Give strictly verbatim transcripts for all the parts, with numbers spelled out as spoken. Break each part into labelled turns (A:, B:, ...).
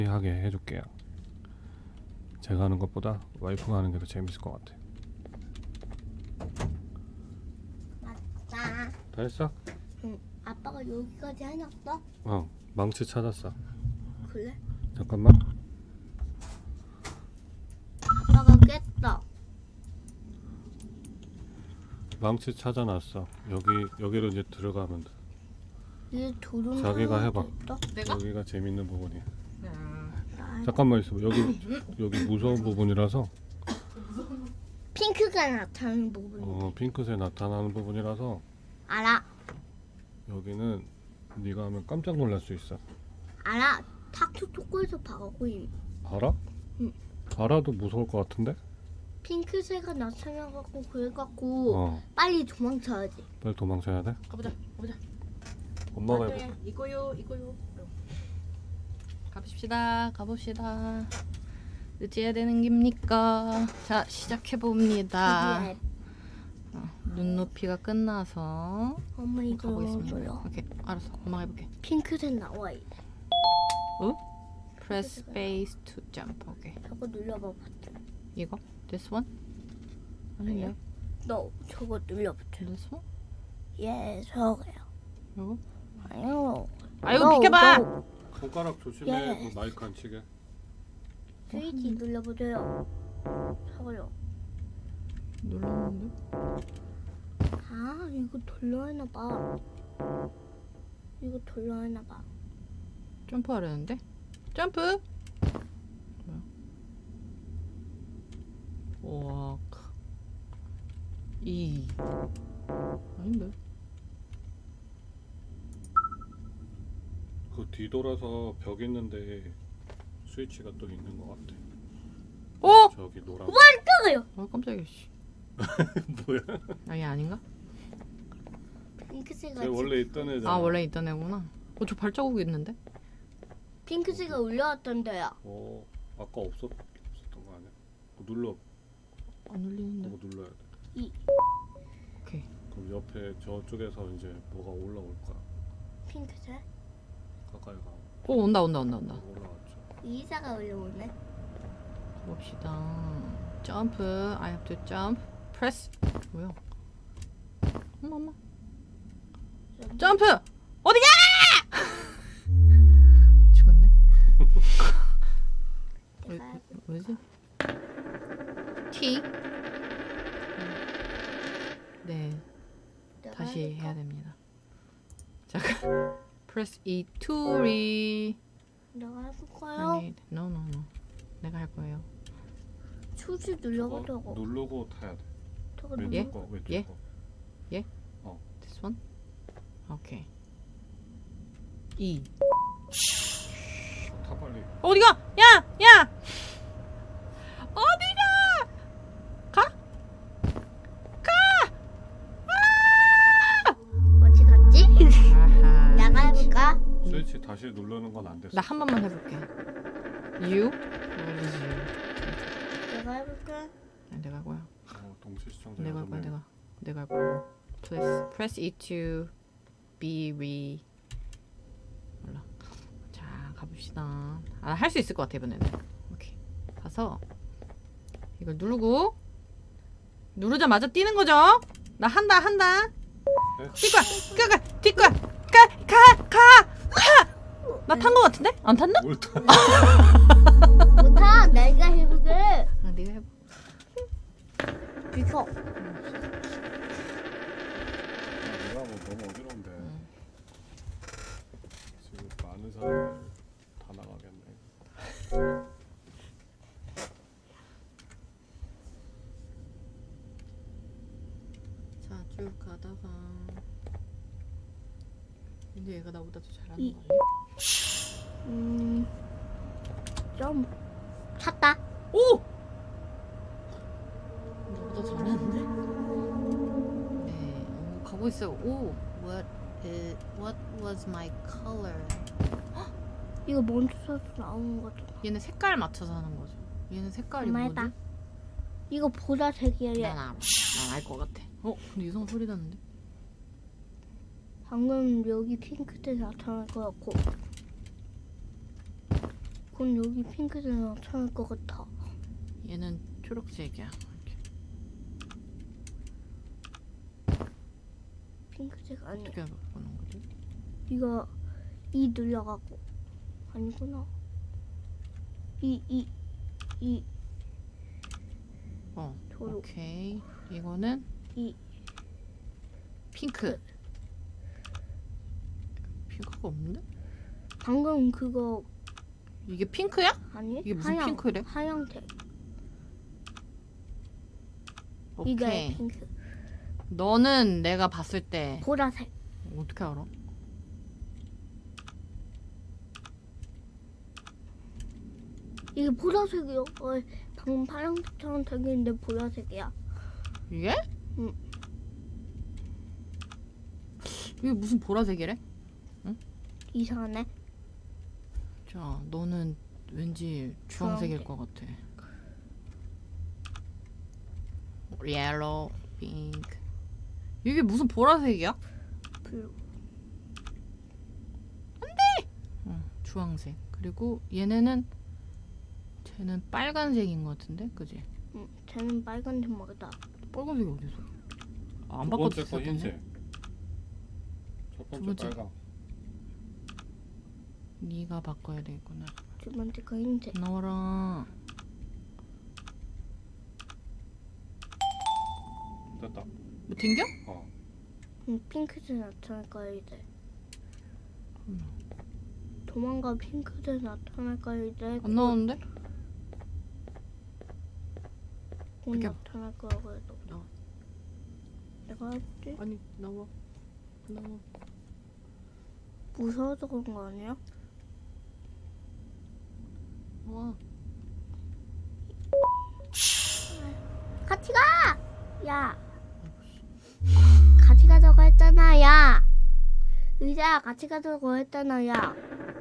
A: 하게 해줄게요. 제가 하는 것보다 와이프가 하는 게 더 재밌을 것 같아.
B: 맞다.
A: 다 했어?
B: 응. 아빠가 여기까지 해놨어?
A: 어, 망치 찾았어.
B: 그래?
A: 잠깐만.
B: 아빠가 깼어.
A: 망치 찾아놨어. 여기 여기로 이제 들어가면 돼.
B: 이게 도둑.
A: 자기가 해봐.
C: 내가?
A: 여기가 재밌는 부분이야.
B: 나
A: 잠깐만 있어. 여기 여기 무서운 부분이라서.
B: 핑크가 나타나는 부분.
A: 어, 핑크색 나타나는 부분이라서
B: 알아.
A: 여기는 네가 하면 깜짝 놀랄 수 있어.
B: 알아. 탁투 토크에서 봐가고 있.
A: 알아?
B: 응.
A: 알아도 무서울 것 같은데?
B: 핑크색가 나타나갖고 그래갖고
A: 어,
B: 빨리 도망쳐야지.
A: 빨리 도망쳐야 돼.
C: 가보자. 가보자.
A: 엄마가
C: 네,
A: 해볼게.
C: 이거요. 이거요. 가봅시다. 가봅시다. 어찌해야 되는 겁니까? 자, 시작해 봅니다.
B: 여기에
C: 어, 눈높이가 끝나서
B: 엄마 이거
C: 가보겠습니다.
B: 눌러.
C: 오케이, 알았어. 엄마가 해볼게.
B: 핑크색 나와 있.
C: 어? Press space to jump. 오케이.
B: 저거 눌러봐.
C: 이거? This one? 아니야.
B: 너 저거 눌러봐.
C: This one?
B: 예, 저거요.
C: 이거?
B: 아유.
C: 아유,
B: 너,
C: 비켜봐.
B: 너
A: 손가락 조심해.
B: 예.
A: 그 마이크 안 치게.
B: 스위치 눌러보세요. 저거요.
C: 눌렀는데?
B: 아, 이거 돌려야나 봐. 이거 돌려야나 봐.
C: 점프하려는데? 점프! 뭐야? 워크 이 아닌데?
A: 그 뒤돌아서 벽 있는데 스위치가 또 있는 것 같아.
C: 어?
A: 저기 노란.
B: 깜짝이야.
C: 아 깜짝이야 씨.
A: 뭐야?
C: 아 얘 아닌가?
B: 핑크색가
A: 쟤 원래 있던 애잖아.
C: 아 원래 있던 애구나. 어 저 발자국이 있는데?
B: 핑크색가 올라왔던데요.
A: 어, 아까 없었 없었던 거 아니야? 그거 눌러.
C: 안 울리는데.
A: 그거 눌러야 돼.
B: 이
C: 오케이.
A: 그럼 옆에 저쪽에서 이제 뭐가 올라올 거야.
B: 핑크색?
A: 가까이 가.
C: 오 온다 온다 온다 온다.
A: 올라왔죠.
B: 이사가 올라오네.
C: 봅시다. 점프. I have to jump. Press. 뭐야? 엄마 엄마. 점프. 어디가? 죽었네. 왜,
B: 내가
C: 뭐지? T. 네,
B: 내가
C: 다시
B: 해볼까?
C: 해야 됩니다. 잠깐. Press E to re.
B: 내가 해볼까요?
C: 아니, no no no. 내가 할 거예요.
B: 수지
A: 저거
B: 눌러보자고.
A: 누르고 타야 돼.
B: 저거
A: 왼쪽
B: 눌러.
A: 거, 왼쪽
C: 예?
A: 거.
C: This one. 오케이. E.
A: 타 빨리.
C: 어디가? 야, 야. 어디가? 가?
B: 어디 갔지?
C: 아하.
B: 내가 해볼까?
A: 스위치 다시 누르는 건 안 됐어.
C: 나 한 번만 해볼게. You? Where is you?
B: 내가 해볼까?
C: 아, 내가 할 거야.
A: 어, 동시 시청자
C: 내가 할
A: 여섯
C: 거야.
A: 명.
C: 내가. 내가 할 거야. Press press E to be re. 몰라. 자 가봅시다. 아, 할 수 있을 것 같아 이번에는. 오케이. 가서 이걸 누르고 누르자마자 뛰는 거죠? 나 한다 한다.
A: 네?
C: 뛸 거야. 가, 가, 뛸 거야. 가, 가, 가, 가. 나 탄 거 같은데? 안 탔나?
A: 뭘 타?
B: 못하. 내가 해볼게.
C: 아, 네가 해봐.
B: 비켜.
A: 내가 뭐 너무 어지러운데. 지금 많은 사람들 다 나가겠네.
C: 자, 쭉 가다가 근데 얘가 나보다 더 잘하는
B: 이-
C: 거 아니야?
B: 음, 좀 찼다.
C: 오! 나보다 잘하는데? 네, 오, 가고 있어요. 오, what is, what was my color?
B: 이거 멈춰서 나오는 거죠.
C: 얘는 색깔 맞춰서 하는 거죠. 얘는 색깔이
B: 엄마
C: 뭐지?
B: 해봐. 이거 보라색이야.
C: 난알 것 같아. 어, 근데 이상한 소리 나는데?
B: 방금 여기 핑크색 나타날 것 같고. 그건 여기 핑크색 나타날 것 같아.
C: 얘는 초록색이야. 이렇게.
B: 핑크색 아니야.
C: 어떻게 바꾸는 거지?
B: 이거 이 눌려가고 아니구나. 이 이 이
C: 어.
B: 초록.
C: 오케이. 이거는
B: 이
C: 핑크. 핑크가 없는데?
B: 방금 그거
C: 이게 핑크야?
B: 아니?
C: 이게 무슨
B: 하양,
C: 핑크래?
B: 하양색.
C: 오케이.
B: 이게 핑크.
C: 너는 내가 봤을 때
B: 보라색.
C: 어떻게 알아?
B: 이게 보라색이요. 어, 방금 파란색처럼 생겼는데 보라색이야.
C: 이게?
B: 응.
C: 이게 무슨 보라색이래?
B: 이상하네.
C: 자, 너는 왠지 주황색일
B: 주황색.
C: 것 같아. 옐로우, 핑크. 이게 무슨 보라색이야?
B: 블루.
C: 어, 주황색. 그리고 얘네는 쟤는 빨간색인 것 같은데, 그지?
B: 응, 쟤는 빨간색 먹다.
C: 빨간색이 어디서? 아, 안
A: 두 번째 거
C: 바꿔줬었네.
A: 흰색. 첫
C: 두
A: 번째
C: 번째.
A: 빨강.
C: 네가 바꿔야 되겠구나.
B: 두 번째 거 흰색.
C: 나와라.
A: 됐다.
C: 뭐 튕겨?
A: 어.
B: 응, 핑크색 나타날 거야 이제.
C: 음.
B: 도망가. 핑크색 나타날 거야 이제.
C: 안 나오는데?
B: 곧
C: 이렇게-
B: 나타날 거야 그래도.
C: 나와.
B: 내가 해볼게.
C: 아니, 나와. 나와.
B: 무서워서 그런 거 아니야?
C: 나와.
B: 같이 가! 야! 같이 가자고 했잖아, 야! 의자 같이 가자고 했잖아, 야!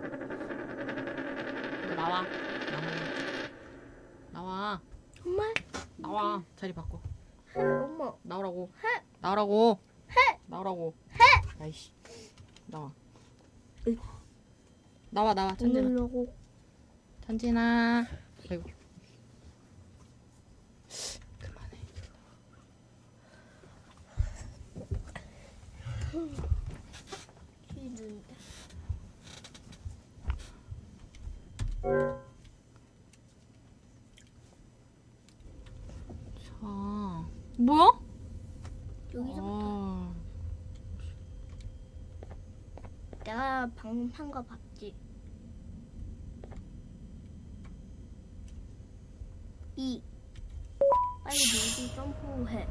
C: 너 나와. 나와. 나와.
B: 정말?
C: 나와. 자리 바꿔.
B: 엄마.
C: 나오라고.
B: 해.
C: 나오라고.
B: 해.
C: 나오라고.
B: 해.
C: 아이씨. 나와.
B: 으이.
C: 나와 나와. 찬진아.
B: 오늘려고.
C: 찬진아. 아이고. 그만해.
B: 싫은데.
C: 자. 뭐야?
B: 여기서
C: 아.
B: 내가 방금 한 거 봤지? 이. 빨리 여기 점프해.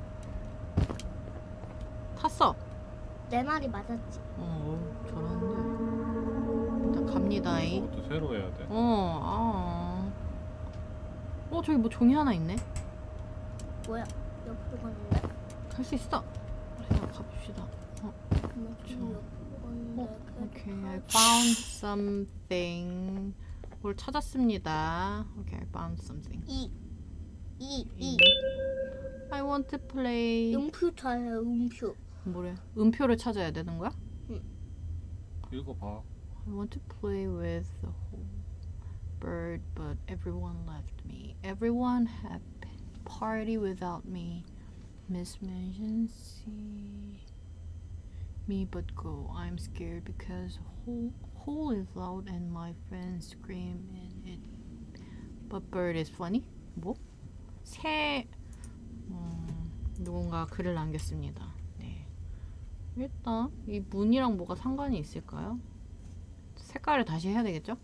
C: 탔어.
B: 내 말이 맞았지?
C: 어, 잘하는데. 일단 갑니다잉.
A: 그것도 새로 해야 돼.
C: 어, 아. 어, 저기 뭐 종이 하나 있네.
B: 뭐야? 옆으로 갔는데?
C: 갈 수 있어. 자, 가봅시다. 어,
B: 엄마 저 옆으로 갔는데.
C: 어,
B: 그래도
C: 오케이. I
B: 가-
C: found something. 뭘 찾았습니다. 오케이, I found something.
B: 이. 이. 이.
C: I want to play.
B: 음표 찾아요, 음표.
C: 뭐래? 음표를 찾아야 되는 거야?
A: 읽어봐.
C: I want to play with the whole bird, but everyone left me. Everyone had party without me. Miss Mission see me but go. I'm scared because whole hole is loud and my friends scream in it. But bird is funny. 뭐? 새 음, 누군가 글을 남겼습니다. 네. 일단 이 문이랑 뭐가 상관이 있을까요? 색깔을 다시 해야 되겠죠?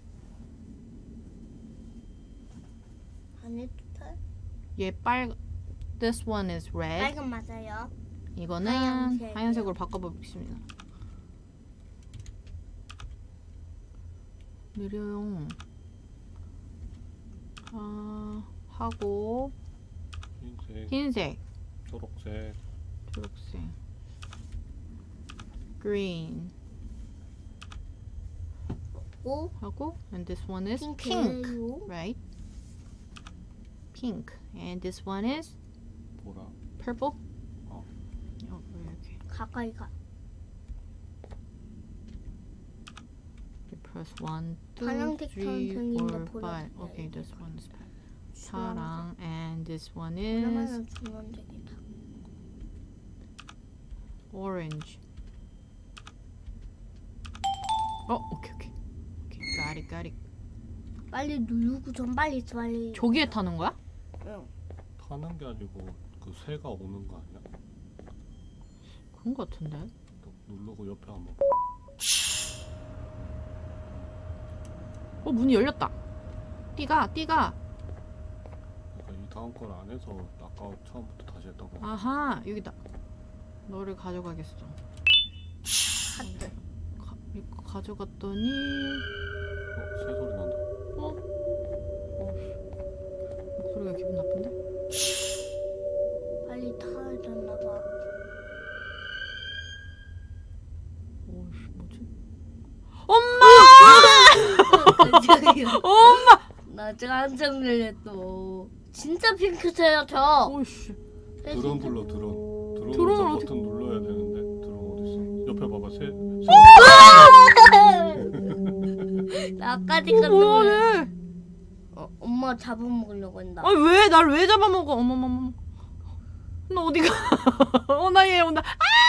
B: 안 해도 돼?
C: 얘 빨 This one is red.
B: 빨간 맞아요.
C: 이거는
B: 하얀색이요.
C: 하얀색으로 바꿔보겠습니다. 느려요. 아, 하고
A: 흰색,
C: 흰색,
A: 초록색,
C: 초록색, green
B: 오.
C: 하고 and this one is pink,
B: 핑크예요.
C: right? Pink and this one is
A: 보라.
C: purple.
A: 어.
C: 어, 이렇게
B: 가까이 가.
C: Press one, two,
B: 파란색
C: three,
B: 선생님인데
C: four,
B: 보라.
C: five. Okay, this one is 파랑, and this one is
B: 그러면은 주황색이다.
C: orange. 어, 오케이 오케이. 오케이, got it, got it.
B: 빨리 누르고 좀 빨리 빨리.
C: 저기에 타는 거야?
B: 응.
A: 타는 게 아니고 그 새가 오는 거 아니야?
C: 그런 거 같은데.
A: 또 누르고 옆에 한번.
C: 어, 문이 열렸다. 띠가, 띠가.
A: 그러니까 이 다음 걸 안 해서 아까 처음부터 다시 했던 거.
C: 아하, 여기다. 너를 가져가겠어.
B: 하트.
C: 가, 이거 가져갔더니
A: 어, 새 소리 난다.
C: 어? 어, 목소리가 기분 나쁜데?
B: 빨리 타야 되나 봐.
C: 오씨, 뭐지? 엄마!
B: 깜짝이야.
C: 엄마!
B: 나 지금 한참 놀랬어. 진짜 핑크색이야 저.
C: 오씨.
A: 드론 불러 드론.
C: 드론을
A: 드론에서
C: 어떻게-
A: 버튼 눌러야 되는데 드론 어디 있어? 옆에 봐봐 새. 새.
B: 나까지
C: 어,
B: 깜짝
C: 뭐야,
B: 놀랐어.
C: 얘?
B: 어, 엄마 잡아먹으려고 한다.
C: 아니, 왜? 날 왜 잡아먹어? 어머머머. 나 어디가? 어, 나 얘 온다.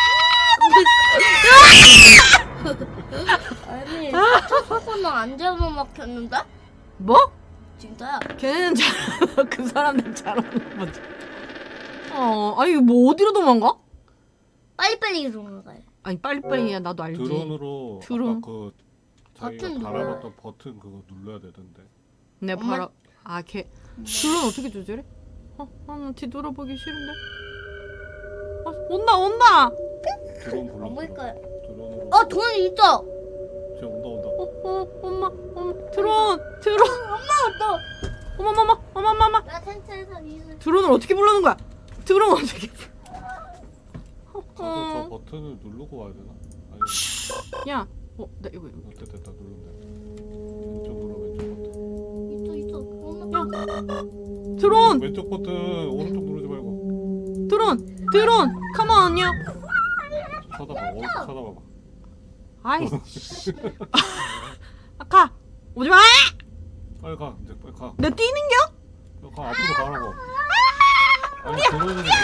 B: 아니, 초코는 안 잡아먹혔는데?
C: 뭐?
B: 진짜야.
C: 걔네는 잘, 그 사람들 잘하는 거지. 어, 아니, 뭐 어디로 도망가?
B: 빨리빨리 도망가요.
C: 아니, 빨리빨리야, 나도 알지.
A: 드론으로
C: 드론.
A: 아까 그 자기가
B: 버튼
A: 달아봤던 버튼 그거 눌러야 되던데.
C: 내
B: 엄마-
C: 바로, 아, 걔, 드론 어떻게 조절해? 어, 아, 나 뒤돌아보기 싫은데. 아, 온다, 온다!
A: 드론 불러.
B: 안 보일까요?
A: 드론으로.
B: 어, 돈 있어.
A: 쟤 온다 온다.
C: 어, 어, 엄마, 엄마, 드론, 드론,
B: 또.
C: 어머, 어머, 어머, 어머, 어머.
B: 나 텐트에서 이슬.
C: 드론을 어떻게 부르는 거야? 드론 어떻게?
A: 가서 저
C: 어,
A: 버튼을 누르고 와야 되나? 아니
C: 야, 어, 나 이거 이거.
A: 됐다 됐다 누르면 왼쪽으로 왼쪽 버튼.
B: 있어, 있어. 엄마.
C: 야, 드론,
A: 왼쪽 버튼 오른쪽 누르지 말고
C: 드론, 드론, 컴온요.
A: 쳐다봐. 오른쪽 쳐다봐봐.
C: 아이씨. 아, 가, 오지 마.
A: 빨리 가 이제 빨리 가.
C: 내 뛰는겨?
A: 빨리 가 앞으로 가라고. 아니 드론을 누르고.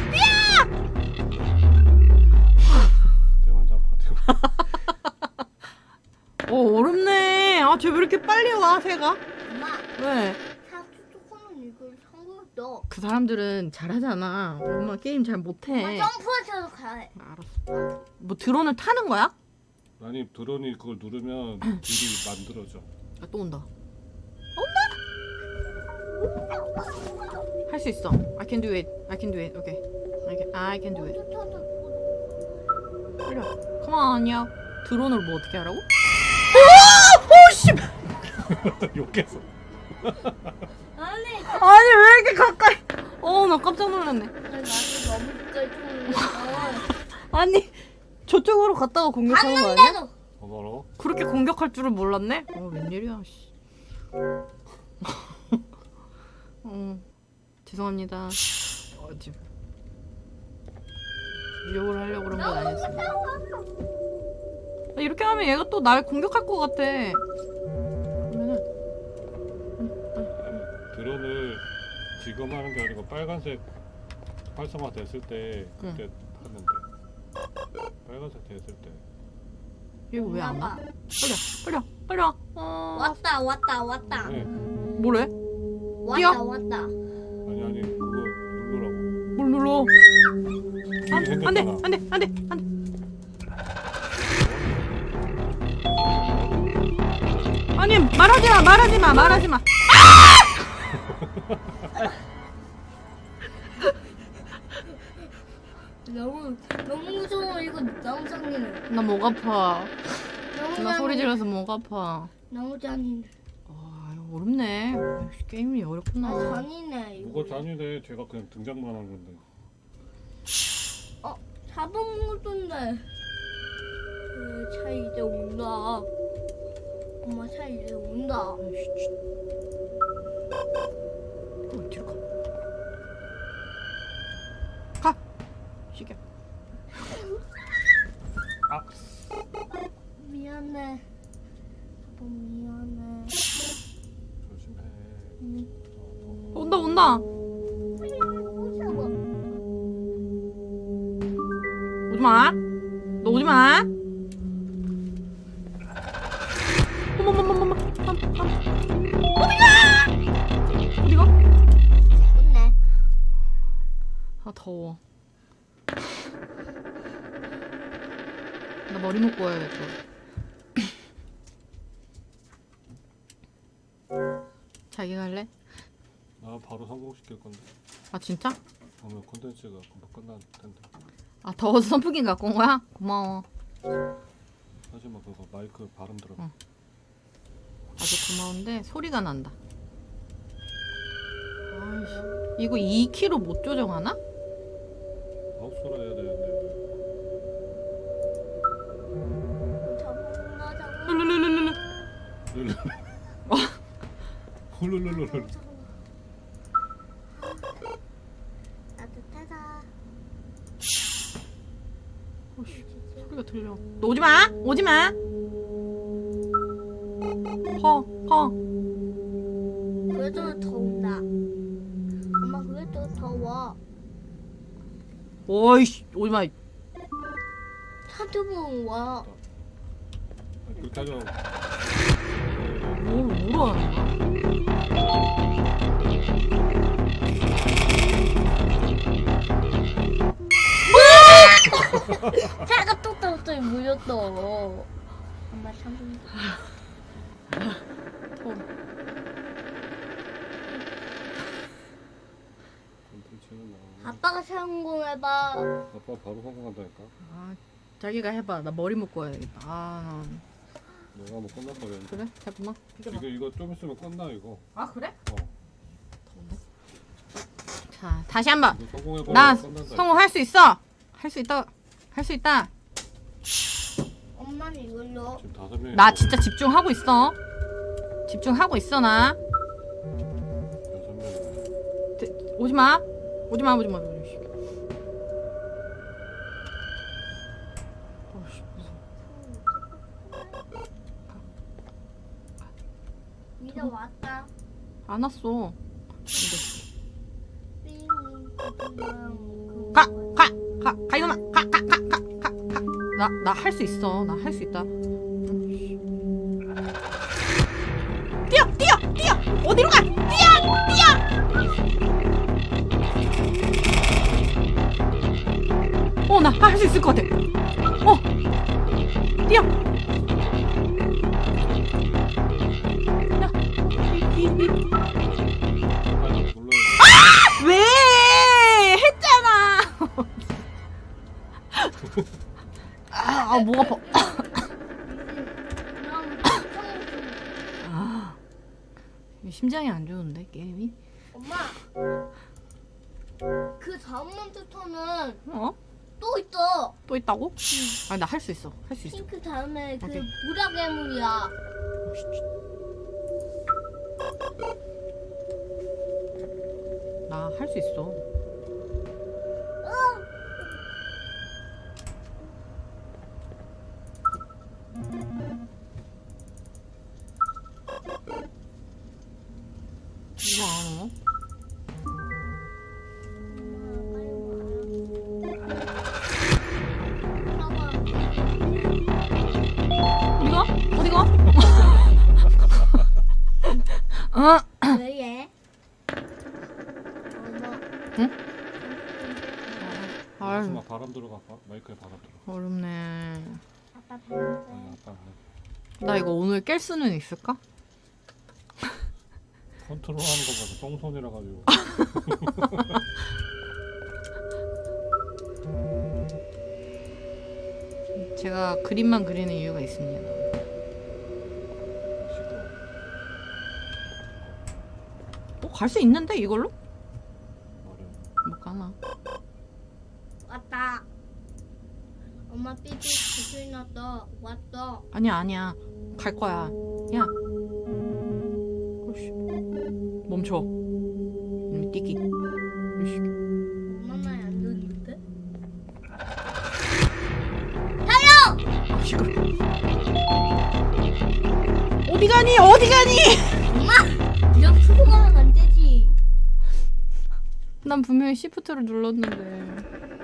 A: 대환장 파티.
C: 어, 어렵네. 아, 쟤 왜 이렇게 빨리 와, 새가?
B: 엄마,
C: 왜?
B: 사주 조금은 이걸 성공했어.
C: 그 사람들은 잘하잖아. 엄마 게임 잘 못해.
B: 점프해서 가야 해.
C: 알았어. 뭐 드론을 타는 거야?
A: 아니 드론이 그걸 누르면 길이 만들어져.
C: 아, 또 온다. 온다? 할 수 있어. I can do it. I can do it. Okay. I can, I can do it. 빨리 와. Come on, 야. 드론을 뭐 어떻게 하라고? 오! 오, 씨!
A: 욕했어.
B: 아니,
C: 아니, 왜 이렇게 가까이. 어, 나 깜짝 놀랐네.
B: 나도 너무 가까이 쳤는데.
C: 아니, 저쪽으로 갔다가 공격하는 거 아니야?
B: 갔는데도.
A: 뭐라고?
C: 그렇게 공격할 줄은 몰랐네? 어, 웬일이야, 씨. 어, 죄송합니다. 어, 지금. 욕을 하려고 그런 건 아니었습니다. 아, 이렇게 하면 얘가 또 날 공격할 것 같아. 그러면은,
A: 아니, 드론을 지금 하는 게 아니고 빨간색 활성화 됐을 때 그때 하는데 빨간색 됐을 때.
C: 얘 왜 안 와?
B: 엄마가
C: 빨리 와, 빨리 와, 빨리 와. 어,
B: 왔다, 왔다, 왔다.
A: 네.
C: 뭐래?
B: 왔다, 왔다.
A: 아니 아니 그거 누르라고.
C: 뭘 눌러? 아,
A: 이미
C: 안 돼,
A: 생겼잖아.
C: 안 돼, 안 돼, 안 돼. 아니, 말하지 마, 말하지 마, 말하지 마.
B: 너무, 너무 무서워. 이거 너무 잔인해.
C: 나 목 아파.
B: 너무
C: 나 소리
B: 잔인해.
C: 질러서 목 아파.
B: 너무 잔인해.
C: 아, 이거 어렵네. 역시 게임이
B: 아,
C: 어렵구나.
B: 잔인해. 이거.
A: 뭐가 잔인해. 제가 그냥 등장만 한 건데.
B: 어, 잡아먹었던데. 그, 차 이제 온다. 엄마 차 이제 온다.
C: 아이씨, 쉿. 어, 뒤로 가. 가. 시계.
A: 아
B: 미안해.
C: 온다 온다.
B: 무서워.
C: 오지 마. 너 오지 마. 어머머머머머. 어디가? 어디가?
B: 좋네.
C: 아 더워. 나 머리 묶고 와야겠다. 자기 갈래?
A: 나 바로 성공시킬 건데.
C: 아 진짜?
A: 오늘 콘텐츠가 금방 끝날 텐데.
C: 아 더워서 선풍기 갖고 온 거야? 고마워.
A: 하지만 그거 마이크 발음 들어.
C: 응. 아주 고마운데 소리가 난다. 아이씨, 이거 이 키로 못 조정하나?
A: 마우스로 해야 되는데.
B: 잡았나 잡았나.
C: 룰루루루루.
A: 룰루. 훌룰룰룰.
B: 따뜻하다.
C: 어이씨, 소리가 들려. 너 오지 마. 오지 마. 허 허.
B: 그래도 더운다. 엄마 그래도 더워.
C: 오이씨 오지 마.
B: 한두 번 와.
A: 그렇게 하죠.
C: 뭐 뭐로 하는 거야?
B: 차가 똑똑똑 물렸어. 엄마 참.
A: 콘텐츠는 나.
B: 아빠가 성공해봐.
A: 아빠 바로 성공한다니까.
C: 아 자기가 해봐. 나 머리 묶고 와야겠다. 아
A: 내가 뭐 끝날 거랬는데.
C: 그래? 잠깐만.
A: 이거 이거 좀 있으면 끝나 이거.
C: 아 그래?
A: 어.
C: 자 다시 한번.
A: 이거 성공해버리면
C: 나
A: 끝난다.
C: 성공할 수 있어. 할 수 있다. 할 수 있다.
B: 엄마는 이걸로.
A: 지금 다섯 명이.
C: 나 진짜 집중하고 있어. 집중하고 있어 나.
A: 여섯 명.
C: 오지 마. 오지 마. 오지 마. 어이씨, 무서워.
B: 이제 왔다.
C: 안 왔어.
B: 삥.
C: 가, 가, 가, 가 이놈아, 가, 가, 가, 가, 가, 가. 나, 나 할 수 있어. 나 할 수 있다. 뛰어, 뛰어, 뛰어. 어디로 가? 뛰어, 뛰어. 어, 나 할 수 있을 것 같아. 어, 뛰어. 야, 이, 이, 이.
A: 빨리 눌러야
C: 왜? 했잖아. 아, 아, 목 아파. 아, 심장이 안 좋은데 게임이?
B: 엄마. 그 다음 몬스터는
C: 어?
B: 또 있어.
C: 또 있다고? 아니 나 할 수 있어. 할 수 있어.
B: 핑크 다음에 그
C: 오케이.
B: 보라 괴물이야.
C: 나 할 수 있어. 이거 안 와? 어디가? 어디가? 어?
B: 왜 얘? 엄마.
C: 응?
A: 돼.
C: 아유
A: 마 바람 들어갈까? 마이크에 바람 들어.
C: 어렵네.
B: 아빠
A: 아니
B: 보여줘.
A: 아빠 안 해.
C: 나 이거 오늘 깰 수는 있을까?
A: 컨트롤하는 거 봐서 똥손이라 가지고.
C: 제가 그림만 그리는 이유가 있습니다.
A: 시끄러.
C: 어, 갈 수 있는데 이걸로?
A: 말해.
C: 못 가나?
B: 왔다. 엄마 삐삐 구슬 났어. 왔어.
C: 아니야 아니야 갈 거야. 야. 어이씨. 멈춰. 이놈의 띠기. 어이씨.
B: 엄마 말이 안 들리는데?
C: 아 시끄러. 어디 가니 어디 가니?
B: 엄마! 이렇게 수고가
C: 난 분명히 시프트를 눌렀는데.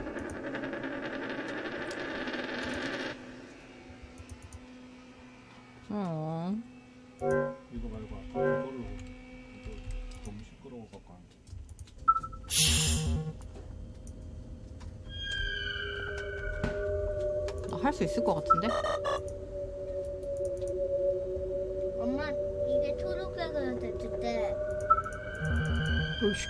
C: 어.
A: 이거 말고 아까 그걸로 이거 너무 시끄러워 갖고 안 돼.
C: 나 할 수 있을 것 같은데?
B: 엄마 이게 초록색으로 됐을 때
C: 으이씨.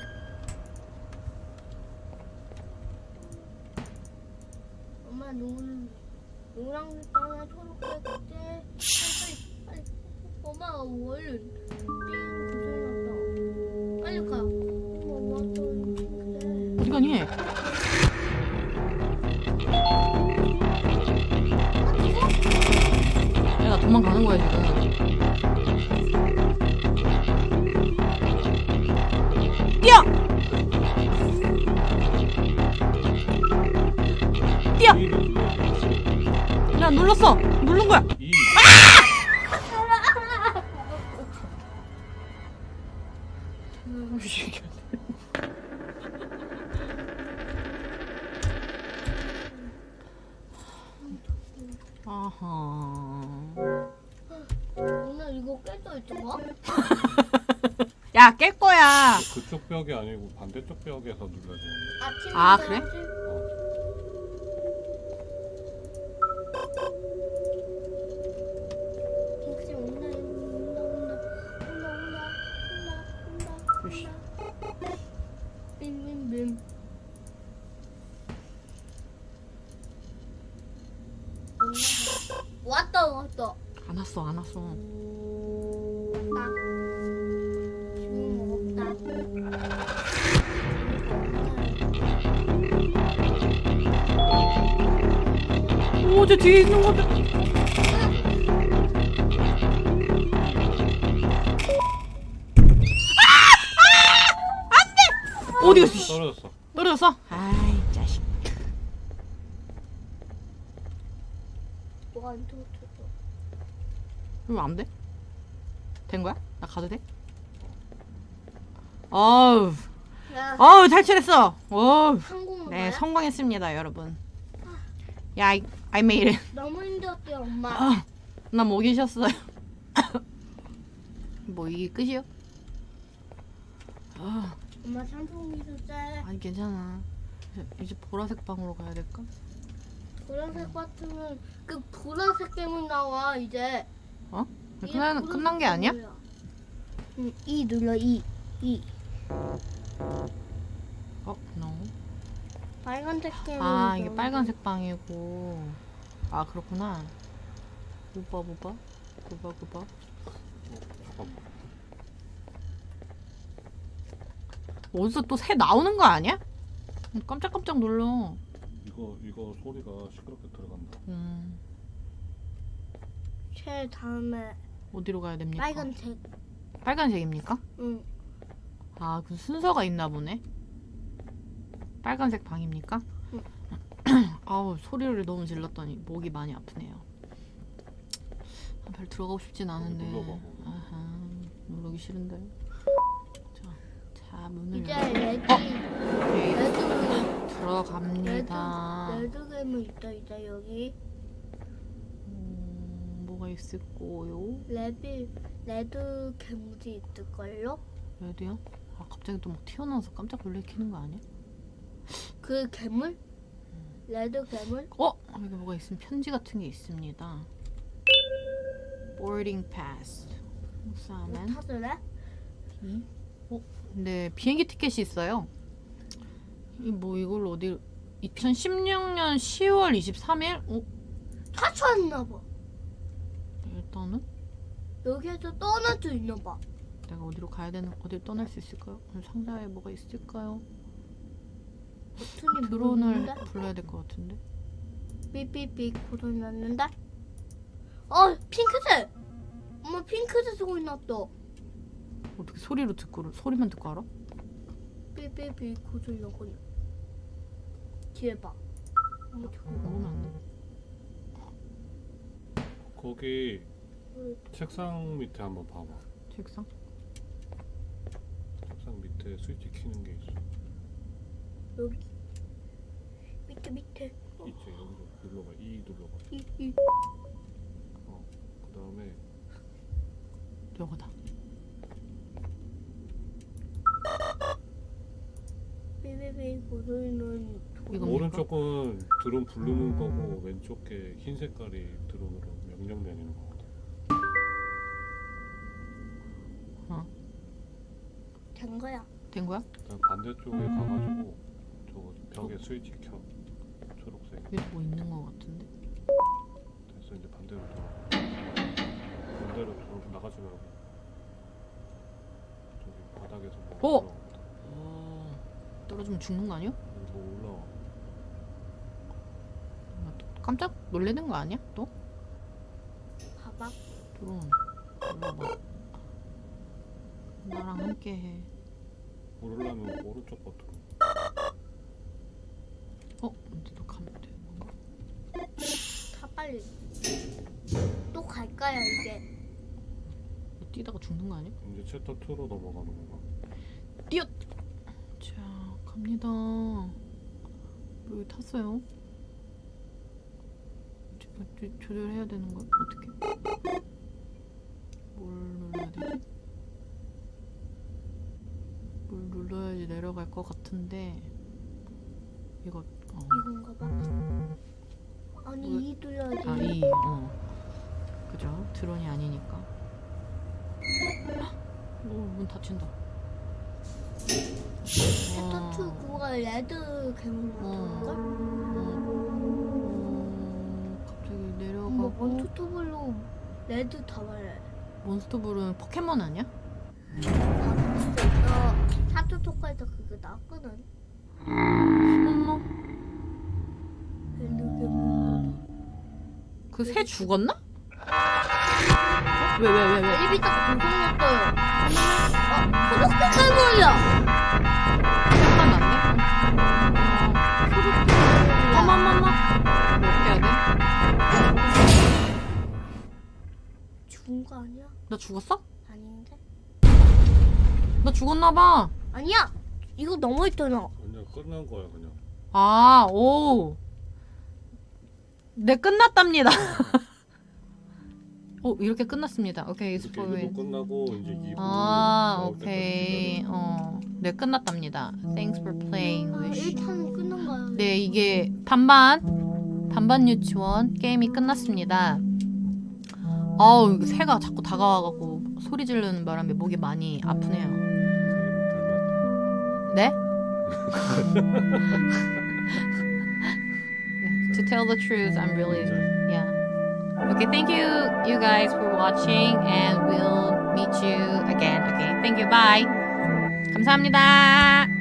B: 엄마 노 노란색 하나 초록색 때 빨리 빨리 엄마 얼른 삥 고장났다. 빨리 가. 엄마 엄마 또 그래.
C: 어디 가니? 야, 나 도망가는 거야 지금. 뛰어! 뛰어! 야, 눌렀어. 누른 거야.
A: 이
C: 아하.
B: 오늘 이거 깨져 있잖아.
C: 야, 깰 거야.
A: 그쪽 벽이 아니고 반대쪽 벽에서 눌러야 돼.
B: 아침
C: 아, 그래?
B: 핑크색 온다 온다 온다 온다 온다 온다
C: 으쌰.
B: 온다 빔빔빔 왔다 왔다
C: 안 왔어, 안 왔어.
B: 왔다 지금 없다
C: 오, 저 뒤에 있는 거다. 어디 갔어? 씨.
A: 떨어졌어.
C: 떨어졌어? 아이, 자식.
B: 뭐가 안 터졌어
C: 이거 안 돼? 된 거야? 나 가도 돼? 어우,
B: 야
C: 어우, 탈출했어. 어우.
B: 한국어
C: 네,
B: 뭐야?
C: 성공했습니다, 여러분. 야, I, I made it.
B: 너무 힘들었대 엄마
C: 아, 나 목이 쉬었어요. 뭐 이게 끝이요? 아,
B: 엄마 삼성미소 짤
C: 아니 괜찮아. 이제, 이제 보라색 방으로 가야 될까?
B: 보라색 같으면 그 보라색 때문 나와 이제
C: 어?
B: 이게
C: 끝난
B: 보라색
C: 끝난 게 아니야?
B: 때문이야. 응, E 눌러 E E
C: 어, no.
B: 빨간색 때문
C: 아, 이게 빨간색 방이고. 아, 그렇구나. 오빠, 오빠, 오빠, 오빠.
A: 어, 잠깐만.
C: 어디서 또 새 나오는 거 아니야? 깜짝깜짝 놀라.
A: 이거 이거 소리가 시끄럽게 들어간다.
C: 음,
B: 제 다음에
C: 어디로 가야 됩니까?
B: 빨간색
C: 빨간색입니까?
B: 응
C: 아, 그 순서가 있나 보네. 빨간색 방입니까?
B: 응.
C: 아우, 소리를 너무 질렀더니 목이 많이 아프네요. 아, 별 들어가고 싶진 않은데.
A: 눌러봐.
C: 아하, 누르기 싫은데. 자, 자 문을
B: 이제
C: 열고.
B: 레드
C: 오케이,
B: 레드
C: 들어갑니다.
B: 레드 레드 괴물 있다 이제 여기
C: 음, 뭐가 있을 거요?
B: 레드 레드 괴물이 있을걸요?
C: 레드요? 아, 갑자기 또 막 튀어나와서 깜짝 놀래키는 거 아니야?
B: 그 괴물? 레드 괴물?
C: 어? 여기 뭐가 있으면 편지 같은 게 있습니다. boarding pass.
B: 못
C: 우사는
B: 타들래?
C: 이? 어? 네, 비행기 티켓이 있어요. 이 뭐 이걸 어디? 이천십육 년 시월 이십삼일? 어?
B: 타쳤나봐
C: 일단은
B: 여기에서 떠날 수 있나봐
C: 내가 어디로 가야 되는? 어디로 떠날 수 있을까요? 오늘 상자에 뭐가 있을까요?
B: 버튼이
C: 드론을
B: 모르는데?
C: 불러야 될 것 같은데.
B: 삐삐삐 고장 났는데? 어 핑크색! 엄마 핑크색 소리 났다
C: 어떻게 소리로 듣고 소리만 듣고 알아?
B: 삐삐삐 고장 나거든 뒤에 봐 엄마 저거
C: 모르면 안 돼.
A: 거기
B: 봐.
A: 책상 밑에 한번 봐봐.
C: 책상?
A: 책상 밑에 스위치 켜는 게 있어.
B: 여기 밑에 밑에. 어,
A: 있지 여기서 눌러봐. E 눌러봐.
B: 이, 이.
A: 어. 그 다음에
C: 요거다.
B: 삐삐삐 고소리는
C: 이거
A: 오른쪽은 드론 부르는 거고 왼쪽 게 흰 색깔이 드론으로 명령 내리는 거거든.
C: 어.
B: 된 거야.
C: 된 거야?
A: 그냥 반대쪽에 가가지고 저거 벽에 스위치 켜. 초록색.
C: 여기 뭐 있는 거 같은데.
A: 됐어 이제 반대로 돌아. 반대로 돌아 나가지 말고. 저기 바닥에서 뭐
C: 어!
A: 올라오거든.
C: 어. 떨어지면 죽는 거 아니야?
A: 여기 뭐 올라와.
C: 나 또 깜짝 놀래는 거 아니야? 또?
B: 봐봐.
C: 드론. 올라봐. 나랑 함께 해.
A: 오르려면 오른쪽 버튼.
C: 어? 근데 너 가면 되는 건가?
B: 다 빨리. 또 갈까요 이게?
C: 너 뛰다가 죽는 거 아니야?
A: 이제 챕터 이로 넘어가는 건가?
C: 뛰어! 자, 갑니다. 여기 탔어요. 조, 조, 조절해야 되는 거 어떻게? 뭘 눌러야 되지? 뭘 눌러야지 내려갈 것 같은데 이거 어.
B: 이건가 봐. 아니
C: 왜?
B: 이 눌러야지.
C: 아, 이, 어. 그죠? 드론이 아니니까. 오, 문 닫힌다.
B: 챕터 투 그거가 레드 괴물 같은 걸?
C: 어, 갑자기
B: 엄마
C: 내려가고.
B: 몬스터블로 레드 다 말해.
C: 몬스터볼은 포켓몬 아니야?
B: 나 사투 토크에서 그거 나왔거든.
C: 어머,
B: 레드 괴물.
C: 그 새 죽었나? 왜, 왜, 왜, 왜?
B: 입이 딱 공통났어요. 어, 초록색 괴물이야.
C: 화가 났네?
B: 초록색 괴물이야.
C: 어머머머. 뭐 어떻게 해야 돼?
B: 죽은 거 아니야?
C: 나 죽었어?
B: 아닌데?
C: 나 죽었나봐.
B: 아니야. 이거 넘어있잖아.
A: 그냥 끝난 거야 그냥.
C: 아, 오. 네, 끝났답니다. 오, 이렇게 끝났습니다. 오케이,
A: 이렇게
C: 스포일.
A: 일 부 끝나고 이제 이 부
C: 아,
A: 나올
C: 오케이.
A: 때까지
C: 어, 네, 끝났답니다. Thanks for playing
B: 아,
C: with.
B: 일 탄 끝난 거야.
C: 네, 이게 반반 반반 유치원 게임이 끝났습니다. 아우, 이거 새가 자꾸 다가와갖고 소리 지르는 바람에 목이 많이 아프네요. 네? To tell the truth, I'm really, yeah. Okay, thank you, you guys, for watching, and we'll meet you again. Okay, thank you, bye. 감사합니다.